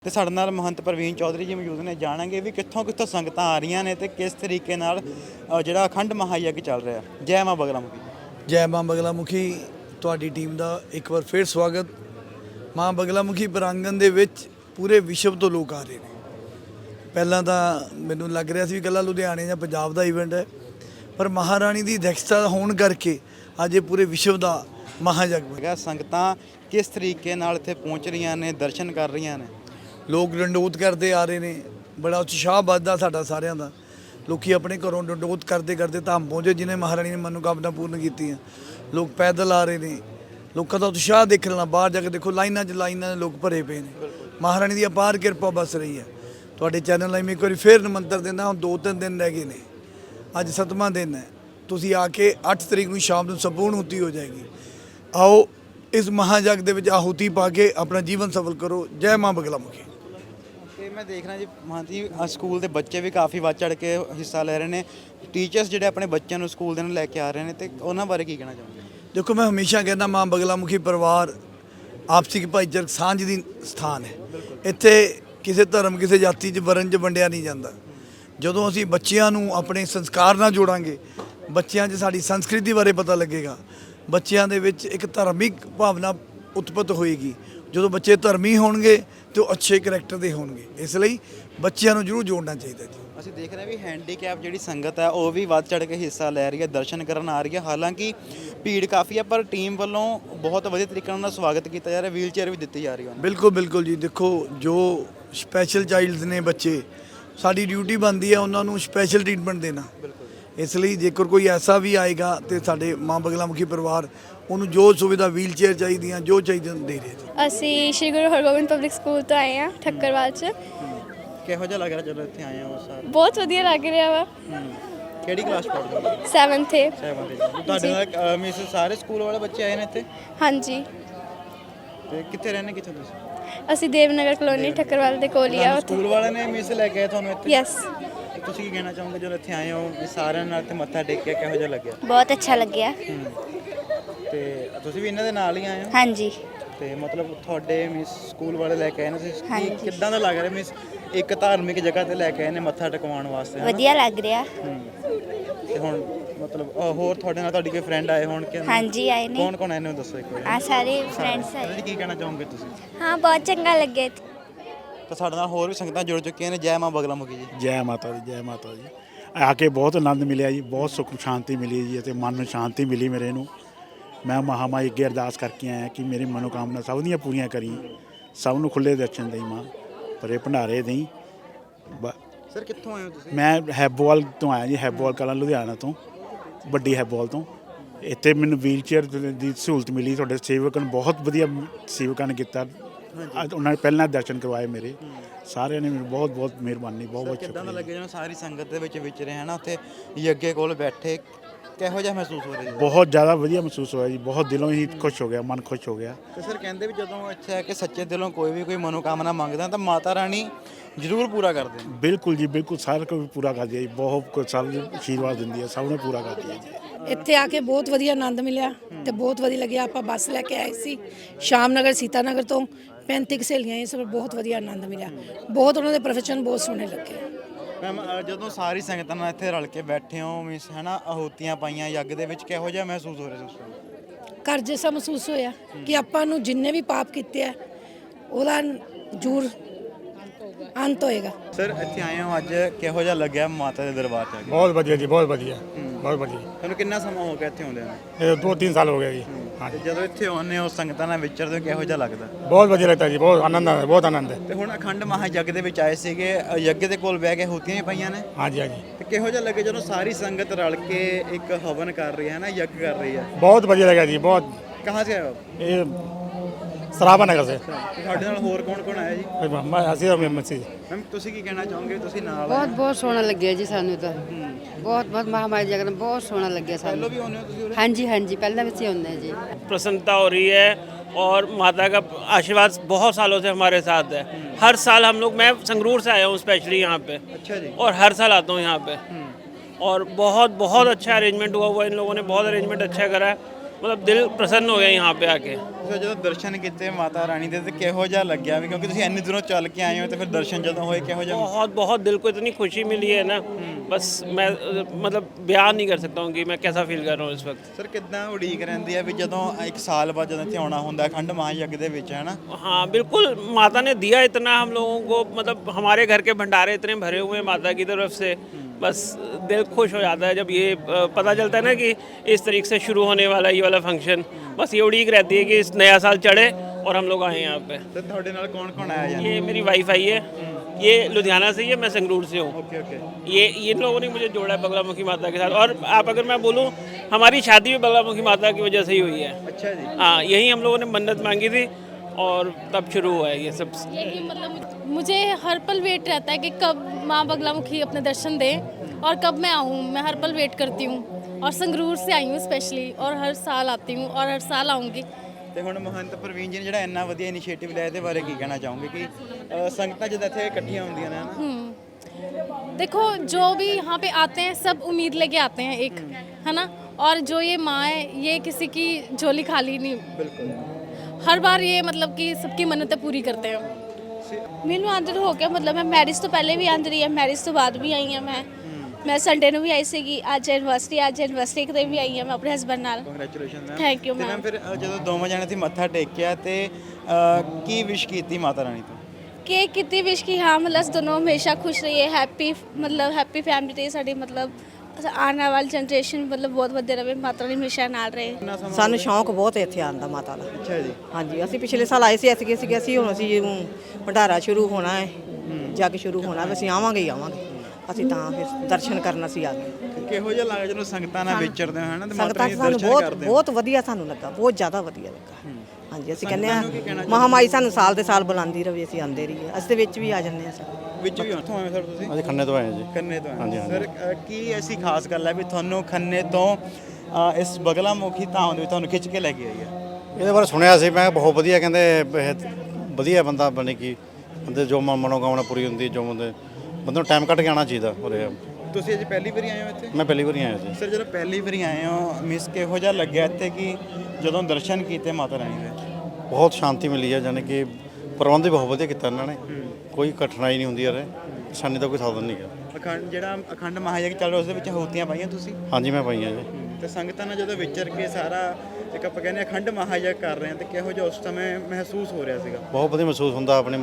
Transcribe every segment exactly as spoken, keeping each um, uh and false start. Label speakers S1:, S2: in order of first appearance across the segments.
S1: ਤੇ ਸਾਡੇ ਨਾਲ ਮਹੰਤ ਪ੍ਰਵੀਨ ਚੌਧਰੀ ਜੀ ਮੌਜੂਦ ਨੇ। ਜਾਣਾਂਗੇ ਵੀ ਕਿੱਥੋਂ ਕਿੱਥੋਂ ਸੰਗਤਾਂ ਆ ਰਹੀਆਂ ਨੇ ਤੇ ਕਿਸ ਤਰੀਕੇ ਨਾਲ ਅ, ਜਿਹੜਾ ਅਖੰਡ ਮਹਾਯੱਗ ਚੱਲ ਰਿਹਾ। ਜੈ ਮਾਂ ਬਗਲਾ ਮੁਖੀ।
S2: ਜੈ ਮਾਂ ਬਗਲਾ ਮੁਖੀ। ਤੁਹਾਡੀ ਟੀਮ ਦਾ ਇੱਕ ਵਾਰ ਫਿਰ ਸਵਾਗਤ। ਮਾਂ ਬਗਲਾ ਮੁਖੀ ਪ੍ਰਾਂਗਣ ਦੇ ਵਿੱਚ ਪੂਰੇ ਵਿਸ਼ਵ ਤੋਂ ਲੋਕ ਆ ਰਹੇ ਨੇ। ਪਹਿਲਾਂ ਤਾਂ ਮੈਨੂੰ ਲੱਗ ਰਿਹਾ ਸੀ ਵੀ ਇਕੱਲਾ ਲੁਧਿਆਣੇ ਜਾਂ ਪੰਜਾਬ ਦਾ ਇਵੈਂਟ ਹੈ, ਪਰ ਮਹਾਰਾਣੀ ਦੀ ਅਧਿਕਸ਼ਤਾ ਹੋਣ ਕਰਕੇ ਅੱਜ ਇਹ ਪੂਰੇ ਵਿਸ਼ਵ ਦਾ ਮਹਾਯੱਗ
S1: ਹੈਗਾ। ਸੰਗਤਾਂ ਕਿਸ ਤਰੀਕੇ ਨਾਲ ਇੱਥੇ ਪਹੁੰਚ ਰਹੀਆਂ ਨੇ, ਦਰਸ਼ਨ ਕਰ ਰਹੀਆਂ ਨੇ।
S2: ਲੋਕ ਡੰਡੋਤ ਕਰਦੇ ਆ ਰਹੇ ਨੇ। ਬੜਾ ਉਤਸ਼ਾਹ ਵੱਧਦਾ ਸਾਡਾ ਸਾਰਿਆਂ ਦਾ। ਲੋਕੀ ਆਪਣੇ ਘਰੋਂ ਡੰਡੋਤ ਕਰਦੇ ਕਰਦੇ ਧਾਮ ਪਹੁੰਚੇ ਜਿਹਨੇ ਮਹਾਰਾਣੀ ਨੇ ਮਨੋਕਾਮਨਾ ਪੂਰਨ ਕੀਤੀਆਂ। ਲੋਕ ਪੈਦਲ ਆ ਰਹੇ ਨੇ। ਲੋਕਾਂ ਦਾ ਉਤਸ਼ਾਹ ਦੇਖਣ ਨਾਲ ਬਾਹਰ ਜਾ ਕੇ ਦੇਖੋ ਲਾਈਨਾਂ 'ਚ ਲਾਈਨਾਂ ਲੋਕ ਭਰੇ ਪਏ ਨੇ। ਮਹਾਰਾਣੀ ਦੀ ਅਪਾਰ ਕਿਰਪਾ ਬਸ ਰਹੀ ਹੈ। ਤੁਹਾਡੇ ਚੈਨਲ ਲਈ ਮੈਂ ਇੱਕ ਵਾਰੀ ਫੇਰ ਨਮੰਤਰ ਦਿੰਦਾ। ਹੁਣ ਦੋ ਤਿੰਨ ਦਿਨ ਰਹਿ ਗਏ ਨੇ। ਅੱਜ ਸੱਤਵਾਂ ਦਿਨ ਹੈ। ਤੁਸੀਂ ਆ ਕੇ ਅੱਠ ਤਰੀਕ ਨੂੰ ਸ਼ਾਮ ਨੂੰ ਸੰਪੂਰਨ ਹੁਤੀ ਹੋ ਜਾਏਗੀ। ਆਓ ਇਸ ਮਹਾਯੱਗ ਦੇ ਵਿੱਚ ਆਹੂਤੀ ਪਾ ਕੇ ਆਪਣਾ ਜੀਵਨ ਸਫਲ ਕਰੋ। ਜੈ ਮਾਂ ਬਗਲਾ ਮੁਖੀ।
S1: ਤੇ ਮੈਂ ਦੇਖ ਰਿਹਾ ਜੀ ਮਹੰਤ ਜੀ ਸਕੂਲ ਦੇ ਬੱਚੇ ਵੀ ਕਾਫੀ ਵੱਧ ਚੜ ਕੇ ਹਿੱਸਾ ਲੈ ਰਹੇ ਨੇ। ਟੀਚਰਸ ਜਿਹੜੇ ਆਪਣੇ ਬੱਚਿਆਂ ਨੂੰ ਸਕੂਲ ਦੇ ਨਾਲ ਲੈ ਕੇ ਆ ਰਹੇ ਨੇ, ਤੇ ਉਹਨਾਂ ਬਾਰੇ ਕੀ ਕਹਿਣਾ ਚਾਹੁੰਦੇ?
S2: ਦੇਖੋ, ਮੈਂ ਹਮੇਸ਼ਾ ਕਹਿੰਦਾ ਮਾਂ ਬਗਲਾ ਮੁਖੀ ਪਰਿਵਾਰ ਆਪਸੀ ਭਾਈਚਾਰਕ ਸਾਂਝ ਦੀ ਸਥਾਨ ਹੈ। ਇੱਥੇ ਕਿਸੇ ਧਰਮ ਕਿਸੇ ਜਾਤੀ 'ਚ ਵਰਨ 'ਚ ਵੰਡਿਆ ਨਹੀਂ ਜਾਂਦਾ। ਜਦੋਂ ਅਸੀਂ ਬੱਚਿਆਂ ਨੂੰ ਆਪਣੇ ਸੰਸਕਾਰ ਨਾਲ ਜੋੜਾਂਗੇ, ਬੱਚਿਆਂ 'ਚ ਸਾਡੀ ਸੰਸਕ੍ਰਿਤੀ ਬਾਰੇ ਪਤਾ ਲੱਗੇਗਾ, ਬੱਚਿਆਂ ਦੇ ਵਿੱਚ ਇੱਕ ਧਾਰਮਿਕ ਭਾਵਨਾ ਉਤਪਤ ਹੋਏਗੀ। ਜਦੋਂ ਬੱਚੇ ਧਰਮੀ ਹੋਣਗੇ ਤੇ ਉਹ ਅੱਛੇ ਕਰੈਕਟਰ ਦੇ ਹੋਣਗੇ। ਇਸ ਲਈ ਬੱਚਿਆਂ ਨੂੰ ਜ਼ਰੂਰ ਜੋੜਨਾ ਚਾਹੀਦਾ ਜੀ।
S1: ਅਸੀਂ ਦੇਖ ਰਹੇ ਵੀ ਹੈਂਡੀਕੈਪ ਜਿਹੜੀ ਸੰਗਤ ਹੈ ਉਹ ਵੀ ਵੱਧ ਚੜ ਕੇ ਹਿੱਸਾ ਲੈ ਰਹੀ ਹੈ, ਦਰਸ਼ਨ ਕਰਨ ਆ ਰਹੀ ਹੈ। ਹਾਲਾਂਕਿ ਭੀੜ ਕਾਫੀ ਹੈ, ਪਰ ਟੀਮ ਵੱਲੋਂ ਬਹੁਤ ਵਧੀਆ ਤਰੀਕੇ ਨਾਲ ਉਹਨਾਂ ਦਾ ਸਵਾਗਤ ਕੀਤਾ ਜਾ ਰਿਹਾ। ਵੀਲ ਚੇਅਰ ਵੀ ਦਿੱਤੀ ਜਾ ਰਹੀ ਹੈ।
S2: ਬਿਲਕੁਲ ਬਿਲਕੁਲ ਜੀ। ਦੇਖੋ, ਜੋ ਸਪੈਸ਼ਲ ਚਾਈਲਡਸ ਨੇ ਬੱਚੇ, ਸਾਡੀ ਡਿਊਟੀ ਬਣਦੀ ਹੈ ਉਹਨਾਂ ਨੂੰ ਸਪੈਸ਼ਲ ਟ੍ਰੀਟਮੈਂਟ ਦੇਣਾ। ਇਸ ਲਈ ਜੇਕਰ ਕੋਈ ਐਸਾ ਵੀ ਆਏਗਾ ਤੇ ਸਾਡੇ ਮਾਂ ਬਗਲਾ ਮੁਖੀ ਪਰਿਵਾਰ ਉਹਨੂੰ ਜੋ ਸੁਵਿਧਾ ਵੀਲ ਚੇਅਰ ਚਾਹੀਦੀਆਂ ਜੋ ਚਾਹੀਦੀਆਂ ਦੇ ਰਹੇ ਜੀ।
S3: ਅਸੀਂ ਸ਼੍ਰੀ ਗੁਰੂ ਹਰਗੋਬਿੰਦ ਪਬਲਿਕ ਸਕੂਲ ਤੋਂ ਆਏ ਹਾਂ, ਠੱਕਰਵਾਲ 'ਚ।
S1: ਕਿਹੋ ਜਿਹਾ ਲੱਗ ਰਿਹਾ ਜਦੋਂ ਇੱਥੇ ਆਏ ਹੋ ਸਾਰੇ?
S3: ਬਹੁਤ ਵਧੀਆ ਲੱਗ ਰਿਹਾ ਵਾ।
S1: ਕਿਹੜੀ ਕਲਾਸ ਪੜ੍ਹਦੇ ਹੋ?
S3: ਸੈਵਨਥ ਹੈ।
S1: ਸੈਵਨਥ। ਤੁਹਾਡੇ ਨਾਲ ਮਿਸ ਸਾਰੇ ਸਕੂਲ ਵਾਲੇ ਬੱਚੇ ਆਏ ਨੇ ਇੱਥੇ?
S3: ਹਾਂਜੀ।
S1: ਤੇ ਕਿੱਥੇ ਰਹਿੰਦੇ, ਕਿੱਥੇ ਤੁਸੀਂ?
S3: ਅਸੀਂ ਦੇਵਨਗਰ ਕਲੋਨੀ ਠੱਕਰਵਾਲ ਦੇ ਕੋਲ ਹੀ ਆ ਉੱਥੇ।
S1: ਸਕੂਲ ਵਾਲਿਆਂ ਨੇ ਮਿਸ ਲੈ ਕੇ ਆਏ ਤੁਹਾਨੂੰ ਇੱਥੇ?
S3: ਯੈਸ।
S1: ਤੁਸੀਂ ਕੀ ਕਹਿਣਾ ਚਾਹੋਗੇ ਜਦੋਂ ਇੱਥੇ ਆਏ ਹੋ ਵੀ ਸਾਰਿਆਂ ਨਾਲ ਤੇ ਮੱਥਾ ਟੇਕਿਆ, ਕਿਹੋ ਜਿਹਾ ਲੱਗਿਆ?
S4: ਬਹੁਤ ਅੱਛਾ ਲੱਗਿਆ।
S1: ਤੇ ਤੁਸੀਂ ਵੀ ਇਹਨਾਂ ਦੇ ਨਾਲ ਹੀ ਆਏ ਹੋ?
S4: ਹਾਂਜੀ।
S1: ਤੇ ਮਤਲਬ ਤੁਹਾਡੇ ਮਿਸ ਸਕੂਲ ਵਾਲੇ ਲੈ ਕੇ ਆਏ ਨੇ, ਤੁਸੀਂ
S4: ਹਾਂਜੀ।
S1: ਕਿੱਦਾਂ ਦਾ ਲੱਗ ਰਿਹਾ ਮਿਸ ਇੱਕ ਧਾਰਮਿਕ ਜਗ੍ਹਾ ਤੇ ਲੈ ਕੇ ਆਏ ਨੇ ਮੱਥਾ ਟਿਕਵਾਉਣ ਵਾਸਤੇ? ਹਨਾ?
S4: ਵਧੀਆ ਲੱਗ ਰਿਹਾ।
S1: ਤੇ ਹੁਣ ਮਤਲਬ ਅ, ਹੋਰ ਤੁਹਾਡੇ ਨਾਲ ਤੁਹਾਡੀ ਕੋਈ ਫਰੈਂਡ ਆਏ ਹੋਣ ਕਿ?
S4: ਹਾਂਜੀ, ਆਏ ਨੇ।
S1: ਕੌਣ ਕੌਣ ਆਏ ਨੇ ਦੱਸੋ ਇੱਕ ਵਾਰ।
S4: ਆ ਸਾਰੇ ਫਰੈਂਡਸ ਆਏ।
S1: ਤੁਸੀਂ ਕੀ ਕਹਿਣਾ ਚਾਹੋਗੇ ਤੁਸੀਂ?
S4: ਹਾਂ, ਬਹੁਤ ਚੰਗਾ ਲੱਗਿਆ।
S1: ਤਾਂ ਸਾਡੇ ਨਾਲ ਹੋਰ ਵੀ ਸੰਗਤਾਂ ਜੁੜ ਚੁੱਕੀਆਂ ਨੇ। ਜੈ ਮਾਂ ਬਗਲਾ ਮੁਖੀ ਜੀ।
S5: ਜੈ ਮਾਤਾ ਦੀ, ਜੈ ਮਾਤਾ ਜੀ। ਆ ਕੇ ਬਹੁਤ ਆਨੰਦ ਮਿਲਿਆ ਜੀ, ਬਹੁਤ ਸੁੱਖ ਸ਼ਾਂਤੀ ਮਿਲੀ ਜੀ ਅਤੇ ਮਨ ਨੂੰ ਸ਼ਾਂਤੀ ਮਿਲੀ ਮੇਰੇ ਨੂੰ। ਮੈਂ ਮਹਾਮਾਈ ਅੱਗੇ ਅਰਦਾਸ ਕਰਕੇ ਆਇਆ ਕਿ ਮੇਰੀ ਮਨੋਕਾਮਨਾ ਸਭ ਦੀਆਂ ਪੂਰੀਆਂ ਕਰੀ, ਸਭ ਨੂੰ ਖੁੱਲ੍ਹੇ ਦਰਸ਼ਨ ਦੇਈ ਮਾਂ, ਪਰੇ ਭੰਡਾਰੇ ਦੇਈ। ਬ
S1: ਸਰ ਕਿੱਥੋਂ ਆਏ ਹੋ ਤੁਸੀਂ?
S5: ਮੈਂ ਹੈਬੋਵਾਲ ਤੋਂ ਆਇਆ ਜੀ, ਹੈਬੋਵਾਲ ਕਲਾਂ ਲੁਧਿਆਣਾ ਤੋਂ, ਵੱਡੀ ਹੈਬੋਵਾਲ ਤੋਂ। ਇੱਥੇ ਮੈਨੂੰ ਵੀਲ ਚੇਅਰ ਦੀ ਸਹੂਲਤ ਮਿਲੀ। ਤੁਹਾਡੇ ਸੇਵਕਾਂ ਨੇ ਬਹੁਤ ਵਧੀਆ ਸੇਵਕਾਂ ਨੇ ਕੀਤਾ। ਅੱਜ ਉਹਨਾਂ ਨੇ ਪਹਿਲਾਂ ਦਰਸ਼ਨ ਕਰਵਾਏ ਮੇਰੇ। ਸਾਰਿਆਂ ਨੇ ਮੈਨੂੰ ਬਹੁਤ ਬਹੁਤ ਮਿਹਰਬਾਨੀ, ਬਹੁਤ ਬਹੁਤ
S1: ਕਿੱਦਾਂ ਦਾ
S5: ਸ਼ੁਕਰੀਆ।
S1: ਲੱਗਿਆ ਜਦੋਂ ਸਾਰੀ ਸੰਗਤ ਦੇ ਵਿੱਚ ਵਿਚਰੇ ਹੈ ਨਾ, ਉੱਥੇ ਯੱਗੇ ਕੋਲ ਬੈਠੇ, ਕਿਹੋ ਜਿਹਾ ਮਹਿਸੂਸ ਹੋ ਰਿਹਾ ਜੀ?
S5: ਬਹੁਤ ਜ਼ਿਆਦਾ ਵਧੀਆ ਮਹਿਸੂਸ ਹੋਇਆ ਜੀ। ਬਹੁਤ ਦਿਲੋਂ ਹੀ ਖੁਸ਼ ਹੋ ਗਿਆ, ਮਨ ਖੁਸ਼ ਹੋ ਗਿਆ।
S1: ਤੇ ਸਰ ਕਹਿੰਦੇ ਵੀ ਜਦੋਂ ਇੱਥੇ ਆ ਕੇ ਸੱਚੇ ਦਿਲੋਂ ਕੋਈ ਵੀ ਕੋਈ ਮਨੋਕਾਮਨਾ ਮੰਗਦਾ ਤਾਂ ਮਾਤਾ ਰਾਣੀ ਜ਼ਰੂਰ ਪੂਰਾ ਕਰਦੇ ਨੇ।
S5: ਬਿਲਕੁਲ ਜੀ, ਬਿਲਕੁਲ ਸਾਰਾ ਕੁਝ ਪੂਰਾ ਕਰਦੀ ਹੈ ਜੀ। ਬਹੁਤ ਕੁਝ ਸਭ ਨੂੰ ਆਸ਼ੀਰਵਾਦ ਦਿੰਦੀ ਹੈ, ਸਭ ਨੂੰ ਪੂਰਾ ਕਰਦੀ ਹੈ ਜੀ।
S6: ਇੱਥੇ ਆ ਕੇ ਬਹੁਤ ਵਧੀਆ ਆਨੰਦ ਮਿਲਿਆ ਤੇ ਬਹੁਤ ਵਧੀਆ ਲੱਗਿਆ। ਆਪਾਂ ਬੱਸ ਲੈ ਕੇ ਆਏ ਸੀ ਸ਼ਾਮ ਨਗਰ ਸੀਤਾ ਨਗਰ ਤੋਂ, ਪੈਂਤੀ ਕੁ ਸਹੇਲੀਆਂ। ਇਹ ਸਭ ਬਹੁਤ ਵਧੀਆ ਆਨੰਦ ਮਿਲਿਆ। ਬਹੁਤ ਉਹਨਾਂ ਦੇ ਪ੍ਰਵਚਨ ਬਹੁਤ ਸੋਹਣੇ ਲੱਗੇ।
S1: ਮੈਮ ਜਦੋਂ ਸਾਰੀ ਸੰਗਤਾਂ ਨਾਲ ਇੱਥੇ ਰਲ ਕੇ ਬੈਠੇ ਹੋ ਮਿਸ ਹੈ ਨਾ, ਆਹੂਤੀਆਂ ਪਾਈਆਂ ਯੱਗ ਦੇ ਵਿੱਚ, ਕਿਹੋ ਜਿਹਾ ਮਹਿਸੂਸ ਹੋ ਰਿਹਾ ਸੀ ਉਸ ਟਾਈਮ?
S6: ਘਰ ਜੈਸਾ ਮਹਿਸੂਸ ਹੋਇਆ ਕਿ ਆਪਾਂ ਨੂੰ ਜਿੰਨੇ ਵੀ ਪਾਪ ਕੀਤੇ ਆ ਉਹਦਾ ਜ਼ਰੂਰ ਅੰਤ ਹੋਏਗਾ।
S1: ਸਰ ਇੱਥੇ ਆਏ ਹੋ ਅੱਜ, ਕਿਹੋ ਜਿਹਾ ਲੱਗਿਆ ਮਾਤਾ ਦੇ ਦਰਬਾਰ 'ਚ ਆ ਕੇ?
S7: ਬਹੁਤ ਵਧੀਆ ਜੀ, ਬਹੁਤ ਵਧੀਆ, ਬਹੁਤ ਵਧੀਆ।
S1: ਤੁਹਾਨੂੰ ਕਿੰਨਾ ਸਮਾਂ ਹੋ ਗਿਆ ਇੱਥੇ ਆਉਂਦੇ ਨੂੰ?
S7: ਇਹ ਦੋ ਤਿੰਨ ਸਾਲ ਹੋ ਗਏ ਜੀ।
S1: ਤੇ
S7: ਹਾਂਜੀ,
S1: ਜਦੋਂ ਇੱਥੇ ਆਉਂਦੇ ਹੋ ਸੰਗਤਾਂ ਨਾਲ ਵਿਚਰਦੇ ਹੋ, ਕਿਹੋ ਜਿਹਾ ਲੱਗਦਾ?
S7: ਬਹੁਤ ਵਧੀਆ ਲੱਗਦਾ ਜੀ, ਬਹੁਤ ਆਨੰਦ ਆਉਂਦਾ, ਬਹੁਤ ਆਨੰਦ ਹੈ।
S1: ਤੇ ਹੁਣ ਅਖੰਡ ਮਹਾਯੱਗ ਦੇ ਵਿੱਚ ਆਏ ਸੀਗੇ, ਅ, ਯੱਗ ਦੇ ਕੋਲ ਬਹਿ ਕੇ ਆਹੂਤੀਆਂ ਵੀ ਪਈਆਂ ਨੇ।
S7: ਹਾਂਜੀ ਹਾਂਜੀ,
S1: ਤੇ ਕਿਹੋ ਜਿਹਾ ਲੱਗੇ ਜਦੋਂ ਸਾਰੀ ਸੰਗਤ ਰਲ ਕੇ ਇੱਕ ਹਵਨ ਕਰ ਰਹੀ ਹੈ ਨਾ, ਯੱਗ ਕਰ ਰਹੀ ਹੈ?
S7: ਬਹੁਤ ਵਧੀਆ ਲੱਗਾ ਜੀ, ਬਹੁਤ।
S1: ਕਹਾਂ ਸੇ ਆਏ ਹੋ?
S7: ਇਹ ਸਰਾਭਾ ਨਗਰ ਸੇ।
S1: ਤੇ ਤੁਹਾਡੇ ਨਾਲ ਹੋਰ ਕੌਣ ਕੌਣ ਆਇਆ ਜੀ?
S7: ਮੈਂ ਅਸੀਂ और मैं मसीह।
S1: ਮੈਮ ਤੁਸੀਂ ਕੀ ਕਹਿਣਾ ਚਾਹੋਗੇ? ਤੁਸੀਂ ਨਾਲ
S8: ਬਹੁਤ ਬਹੁਤ ਸੋਹਣਾ ਲੱਗਿਆ ਜੀ ਸਾਨੂੰ ਤਾਂ। ਬਹੁਤ ਬਹੁਤ ਮਹਾਮਾਈ ਜਗਨ ਬਹੁਤ ਸੋਹਣਾ ਲੱਗਿਆ
S1: ਪਹਿਲਾਂ
S8: ਸਾਨੂੰ।
S1: ਵੀ ਆਉਂਦੇ ਹੋ ਤੁਸੀਂ ਉਰੇ?
S8: ਹਾਂਜੀ ਹਾਂਜੀ, ਪਹਿਲਾਂ ਵੀ ਅਸੀਂ ਆਉਂਦੇ ਹਾਂ ਜੀ।
S9: प्रसन्नता हो रही है और माता का आशीर्वाद बहुत सालों से हमारे साथ है। हर साल हम लोग, मैं संगरूर से आया हूँ स्पेशली यहाँ पे,
S1: अच्छा जी।
S9: और हर साल आता हूँ यहाँ पे। और बहुत बहुत अच्छा अरेंजमेंट हुआ हुआ है, इन लोगों ने बहुत अरेंजमेंट अच्छा करा है। मतलब दिल प्रसन्न हो गया यहाँ पे आके।
S1: ਸੋ ਜਦੋਂ ਦਰਸ਼ਨ ਕੀਤੇ ਮਾਤਾ ਰਾਣੀ ਦੇ ਤੇ ਕਿਹੋ ਜਿਹਾ ਲੱਗਿਆ ਵੀ ਕਿਉਂਕਿ ਤੁਸੀਂ ਇੰਨੀ ਦੂਰੋਂ ਚੱਲ ਕੇ ਆਏ ਹੋ ਤੇ ਫਿਰ ਦਰਸ਼ਨ ਜਦੋਂ ਹੋਏ ਕਿਹੋ ਜਿਹਾ
S9: बहुत बहुत दिल को इतनी खुशी मिली है ना, बस मैं अ, मतलब बयान नहीं कर सकता हूँ कि मैं कैसा फील कर रहा हूँ इस वक्त।
S1: ਸਰ ਕਿੱਦਾਂ ਉਡੀਕ ਰਹਿੰਦੀ ਹੈ ਵੀ ਜਦੋਂ ਇੱਕ ਸਾਲ ਬਾਅਦ ਜਦੋਂ ਇੱਥੇ ਆਉਣਾ ਹੁੰਦਾ ਅਖੰਡ ਮਹਾਯੱਗ ਦੇ ਵਿੱਚ ਹੈ ਨਾ
S9: हाँ बिल्कुल, माता ने दिया इतना हम लोगों को, मतलब हमारे घर के भंडारे इतने भरे हुए हैं माता की तरफ से, बस दिल खुश हो जाता है जब ये अ, पता चलता है ना कि इस तरीके से शुरू होने वाला ये वाला फंक्शन। बस ये उड़ीक रहती है कि इस नया साल चढ़े और हम लोग आए यहाँ पे।
S1: ਤੇ ਤੁਹਾਡੇ ਨਾਲ ਕੌਣ ਕੌਣ ਆਇਆ ਜਾਂਦਾ
S9: ये मेरी वाइफ आई है, ये लुधियाना से ही है, मैं संगरूर से हूँ।
S1: ਓਕੇ ਓਕੇ
S9: ये इन लोगों ने मुझे जोड़ा है बगलामुखी माता के साथ। और आप अगर मैं बोलूँ, हमारी शादी भी बगलामुखी माता की वजह से ही हुई है।
S1: ਅੱਛਾ ਜੀ
S9: हाँ, यही हम लोगों ने मन्नत मांगी थी और तब शुरू हुआ है ये सब।
S3: यही मतलब मुझे हर पल वेट रहता है कि कब माँ बगलामुखी अपने दर्शन दें और कब मैं आऊँ। मैं हर पल वेट करती हूँ और संगरूर से आई हूँ स्पेशली, और हर साल आती हूँ और हर साल आऊँगी।
S1: ਤੇ ਹੁਣ ਮਹੰਤ ਪ੍ਰਵੀਨ ਜੀ ਨੇ ਜਿਹੜਾ ਇੰਨਾ ਵਧੀਆ ਇਨੀਸ਼ੀਏਟਿਵ ਲਿਆ ਇਹਦੇ ਬਾਰੇ ਕੀ ਕਹਿਣਾ ਚਾਹੋਗੇ ਕਿ ਅ, ਸੰਗਤਾਂ ਜਦੋਂ ਇੱਥੇ ਇਕੱਠੀਆਂ ਹੁੰਦੀਆਂ ਨੇ ਹਨਾ
S3: देखो जो भी यहाँ पे आते हैं सब उम्मीद लेके आते हैं एक, है ना। और जो ये माँ है ये किसी की झोली खाली नहीं,
S1: ਬਿਲਕੁਲ
S3: हर बार ये मतलब कि सबकी मन्नतें पूरी करते हैं।
S4: ਮੈਨੂੰ ਆਂਦਰ ਹੋ ਗਿਆ, ਮਤਲਬ ਮੈਂ ਮੈਰਿਜ ਤੋਂ ਪਹਿਲੇ ਵੀ ਆਂਦਰ ਹੀ ਆ, ਮੈਰਿਜ ਤੋਂ ਬਾਅਦ ਵੀ ਆਈ ਹਾਂ। ਮੈਂ ਮੈਂ ਸੰਡੇ ਨੂੰ ਵੀ ਆਈ ਸੀਗੀ, ਅੱਜ ਐਨਵਰਸਰੀ ਅੱਜ ਐਨਵਰਸਰੀ ਤੇ ਵੀ ਆਈ ਹਾਂ ਮੈਂ ਆਪਣੇ ਹਸਬੰਡ ਨਾਲ।
S1: ਕੰਗ੍ਰੈਚੁਲੇਸ਼ਨ ਮੈਮ
S4: Thank you,
S1: ਤੇ
S4: ma'am.
S1: ਮੈਮ ਫਿਰ ਅ, ਜਦੋਂ ਦੋਵਾਂ ਜਣੇ ਤੇ ਮੱਥਾ ਟੇਕਿਆ ਤੇ ਅ, ਕੀ ਵਿਸ਼ ਕੀਤੀ ਮਾਤਾ ਰਾਣੀ ਤੋਂ
S4: ਕਿ ਕਿਤੇ ਵਿਸ਼ ਕਿ ਹਾਂ ਮਤਲਬ ਦੋਨੋਂ ਹਮੇਸ਼ਾ ਖੁਸ਼ ਰਹੀਏ, ਹੈਪੀ ਮਤਲਬ ਹੈਪੀ ਫੈਮਿਲੀ ਤੇ ਸਾਡੀ ਮਤਲਬ ਆਉਣ ਵਾਲੀ ਜਨਰੇਸ਼ਨ ਮਤਲਬ ਬਹੁਤ ਵਧੀਆ ਰਵੇ, ਮਾਤਾ ਰਾਣੀ ਹਮੇਸ਼ਾ ਨਾਲ ਰਹੇ।
S10: ਸਾਨੂੰ ਸ਼ੌਂਕ ਬਹੁਤ ਹੈ ਇੱਥੇ ਆਉਣ ਦਾ ਮਾਤਾ ਦਾ।
S1: ਅੱਛਾ ਜੀ
S10: ਹਾਂਜੀ, ਅਸੀਂ ਪਿਛਲੇ ਸਾਲ ਆਏ ਸੀ, ਅਸੀਂ ਗਏ ਸੀ ਅਸੀਂ ਹੁਣ ਅਸੀਂ ਊਂ ਭੰਡਾਰਾ ਸ਼ੁਰੂ ਹੋਣਾ ਹੈ, ਜੱਗ ਸ਼ੁਰੂ ਹੋਣਾ, ਅਸੀਂ ਆਵਾਂਗੇ ਹੀ ਆਵਾਂਗੇ, ਅਸੀਂ ਤਾਂ ਫਿਰ ਦਰਸ਼ਨ ਕਰਨ ਅਸੀਂ ਆ ਗਏ।
S1: ਕਿਹੋ ਜਿਹਾ ਲੱਗਾ ਜਦੋਂ ਸੰਗਤਾਂ ਨਾਲ ਵਿਚਰਦੇ ਹੋ ਹਨਾ ਤੇ ਮਾਤਾ
S10: ਸੰਗਤਾਂ
S1: ਰਾਣੀ
S10: 'ਚ
S1: ਦੇ
S10: ਸਾਨੂੰ
S1: ਦਰਸ਼ਨ
S10: ਬਹੁਤ
S1: ਕਰਦੇ ਹੋ
S10: ਬਹੁਤ ਵਧੀਆ ਸਾਨੂੰ ਲੱਗਾ, ਬਹੁਤ ਜ਼ਿਆਦਾ ਵਧੀਆ ਲੱਗਾ। ਹਾਂਜੀ, ਅਸੀਂ ਕਹਿੰਦੇ
S1: ਸੰਗਤਾਂ ਨੂੰ ਕੀ ਕਹਿਣਾ
S10: ਹਾਂ ਮਹਾਮਾਈ ਸਾਨੂੰ ਸਾਲ ਦੇ ਸਾਲ ਬੁਲਾਉਂਦੀ ਰਵੇ, ਅਸੀਂ ਆਉਂਦੇ ਰਹੀਏ, ਅਸੀਂ ਦੇ ਵਿੱਚ ਵੀ ਆ ਜਾਂਦੇ ਹਾਂ ਸਰ।
S1: ਵਿੱਚ ਵੀ ਉੱਥੋਂ ਆਏ ਸਰ ਤੁਸੀਂ
S7: ਅਸੀਂ ਖੰਨੇ ਤੋਂ ਆਏ ਹਾਂ ਜੀ।
S1: ਖੰਨੇ ਤੋਂ
S7: ਹਾਂਜੀ,
S1: ਆਏ
S7: ਹਾਂਜੀ।
S1: ਸਰ ਅ, ਕੀ ਐਸੀ ਖਾਸ ਗੱਲ ਹੈ ਵੀ ਤੁਹਾਨੂੰ ਖੰਨੇ ਤੋਂ ਅ, ਇਸ ਬਗਲਾਮੁਖੀ ਧਾਮ ਦੇ ਵਿੱਚ ਤੁਹਾਨੂੰ ਖਿੱਚ ਕੇ ਲੈ ਕੇ ਆਈ ਹੈ
S7: ਇਹਦੇ ਬਾਰੇ ਸੁਣਿਆ ਸੀ ਮੈਂ, ਬਹੁਤ ਵਧੀਆ ਕਹਿੰਦੇ ਇਹ ਵਧੀਆ ਬੰਦਾ ਬਣੇ ਕਿ ਬੰਦੇ ਜੋ ਮਨ- ਮਨੋਕਾਮਨਾ ਪੂਰੀ ਹੁੰਦੀ, ਜੋ ਬੰਦੇ ਬੰਦੇ ਨੂੰ ਟਾਈਮ ਕੱਢ ਕੇ ਆਉਣਾ ਚਾਹੀਦਾ ਉਰੇ।
S1: ਤੁਸੀਂ ਅੱਜ ਪਹਿਲੀ ਵਾਰੀ ਆਏ ਹੋ ਇੱਥੇ
S7: ਮੈਂ ਪਹਿਲੀ ਵਾਰੀ ਆਇਆ ਸੀ।
S1: ਸਰ ਜਦੋਂ ਪਹਿਲੀ ਵਾਰੀ ਆਏ ਹੋ ਮਿਸ ਕਿਹੋ ਜਿਹਾ ਲੱਗਿਆ ਇੱਥੇ ਕਿ ਜਦੋਂ ਦਰਸ਼ਨ ਕੀਤੇ ਮਾਤਾ ਰਾਣੀ ਦੇ
S7: ਬਹੁਤ ਸ਼ਾਂਤੀ ਮਿਲੀ ਹੈ, ਯਾਨੀ ਕਿ ਪ੍ਰਬੰਧ ਵੀ ਬਹੁਤ ਵਧੀਆ ਕੀਤਾ ਇਹਨਾਂ ਨੇ, ਕੋਈ ਕਠਿਨਾਈ ਨਹੀਂ ਹੁੰਦੀ ਯਾਰ, ਪਰੇਸ਼ਾਨੀ ਦਾ ਕੋਈ ਸਾਧਨ ਨਹੀਂ ਹੈ।
S1: ਅਖੰਡ ਜਿਹੜਾ ਅਖੰਡ ਮਹਾਯੱਗ ਚੱਲ ਰਿਹਾ ਉਸ ਦੇ ਵਿੱਚ ਹੂਤੀਆਂ ਪਾਈਆਂ ਤੁਸੀਂ
S7: ਹਾਂਜੀ ਮੈਂ ਪਾਈਆਂ ਜੀ।
S1: ਤੇ ਸੰਗਤਾਂ ਨਾਲ ਜਦੋਂ ਵਿਚਰ ਕੇ ਸਾਰਾ ਇੱਕ ਆਪਾਂ ਕਹਿੰਦੇ ਹਾਂ ਅਖੰਡ ਮਹਾਯੱਗ ਕਰ ਰਹੇ ਹਾਂ ਤੇ ਕਿਹੋ ਜਿਹਾ ਉਸ ਸਮੇਂ ਮਹਿਸੂਸ ਹੋ ਰਿਹਾ ਸੀਗਾ
S7: ਬਹੁਤ ਵਧੀਆ ਮਹਿਸੂਸ ਹੁੰਦਾ, ਆਪਣੇ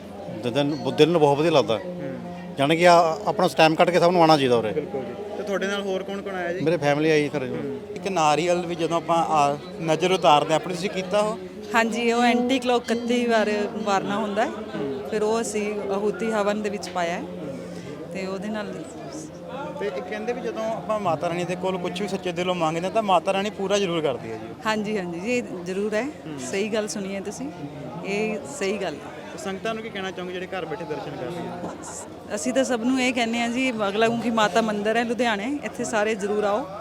S7: ਦਿਲ ਨੂੰ ਦਿਲ ਨੂੰ ਬਹੁਤ ਵਧੀਆ ਲੱਗਦਾ, ਯਾਨੀ ਕਿ ਆ- ਆਪਣਾ ਟਾਈਮ ਕੱਢ ਕੇ ਸਭ ਨੂੰ ਆਉਣਾ ਚਾਹੀਦਾ ਉਰੇ।
S1: ਬਿਲਕੁਲ ਜੀ ਤੇ ਤੁਹਾਡੇ ਨਾਲ ਹੋਰ ਕੌਣ ਕੌਣ ਆਇਆ ਜੀ
S7: ਮੇਰੇ ਫੈਮਿਲੀ ਆਈ ਘਰੇ।
S1: ਇੱਕ ਨਾਰੀਅਲ ਵੀ ਜਦੋਂ ਆਪਾਂ ਆ- ਨਜ਼ਰ ਉਤਾਰਦੇ ਆਪਣੇ ਤੁਸੀਂ ਕੀਤਾ ਉਹ
S11: ਹਾਂਜੀ, ਉਹ ਐਂਟੀ ਕਲੌਕ ਇਕੱਤੀ ਵਾਰ ਵਾਰਨਾ ਹੁੰਦਾ ਹੈ, ਫਿਰ ਉਹ ਅਸੀਂ ਆਹੂਤੀ ਹਵਨ ਦੇ ਵਿੱਚ ਪਾਇਆ ਹੈ ਤੇ ਉਹਦੇ ਨਾਲ
S1: ਤੇ ਇਹ ਕਹਿੰਦੇ ਵੀ ਜਦੋਂ ਆਪਾਂ ਮਾਤਾ ਰਾਣੀ ਦੇ ਕੋਲ ਕੁਝ ਵੀ ਸੱਚੇ ਦਿਲੋਂ ਮੰਗਦੇ ਹਾਂ ਤਾਂ ਮਾਤਾ ਰਾਣੀ ਪੂਰਾ ਜ਼ਰੂਰ ਕਰਦੀ ਹੈ ਜੀ
S11: ਹਾਂਜੀ ਹਾਂਜੀ ਜੀ, ਇਹ ਜ਼ਰੂਰ ਹੈ, ਸਹੀ ਗੱਲ ਸੁਣੀ ਹੈ ਤੁਸੀਂ, ਇਹ ਸਹੀ ਗੱਲ ਹੈ।
S1: ਤੇ ਸੰਗਤਾਂ ਨੂੰ ਕੀ ਕਹਿਣਾ ਚਾਹੋਗੇ ਜਿਹੜੇ ਘਰ ਬੈਠੇ ਦਰਸ਼ਨ ਕਰ ਰਹੇ ਆ
S11: ਅਸੀਂ ਤਾਂ ਸਭ ਨੂੰ ਇਹ ਕਹਿੰਦੇ ਹਾਂ ਜੀ, ਬਗਲਾਮੁਖੀ ਮਾਤਾ ਮੰਦਿਰ ਹੈ ਲੁਧਿਆਣੇ, ਇੱਥੇ ਸਾਰੇ ਜ਼ਰੂਰ ਆਓ।